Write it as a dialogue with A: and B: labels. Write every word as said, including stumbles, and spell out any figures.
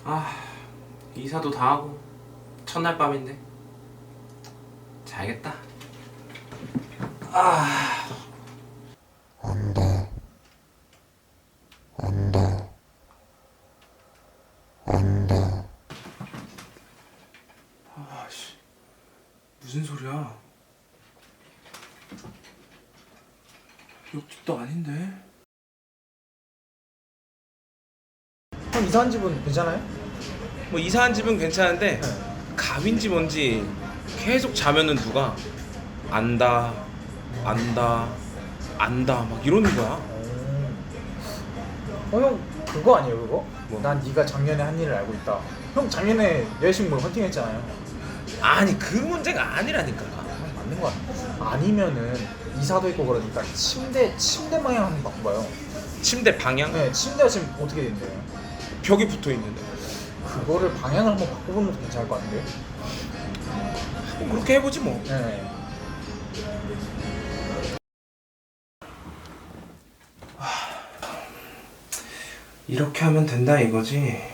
A: 아, 이사도 다 하고 첫날 밤인데 자야겠다. 아,
B: 안다, 안다, 안다.
A: 아씨, 무슨 소리야? 옆집도 아닌데.
C: 형 이사한 집은 괜찮아요?
A: 뭐 이사한 집은 괜찮은데
C: 네.
A: 갑인지 뭔지 계속 자면은 누가 안다, 안다, 안다 막 이러는 거야.
C: 어, 형 그거 아니에요 그거?
A: 뭐?
C: 난 네가 작년에 한 일을 알고 있다. 형 작년에 여자친구 헌팅했잖아요.
A: 아니 그 문제가 아니라니까.
C: 형 맞는 거 같아. 아니면은 이사도 있고 그러니까 침대 침대 방향 한번 바꿔봐요.
A: 침대 방향?
C: 네, 침대가 지금 어떻게 된대요?
A: 벽이 붙어 있는데.
C: 그거를 방향을 한번 바꿔보는 것도 괜찮을 것 같은데.
A: 뭐 그렇게 해보지 뭐.
C: 네.
A: 이렇게 하면 된다 이거지.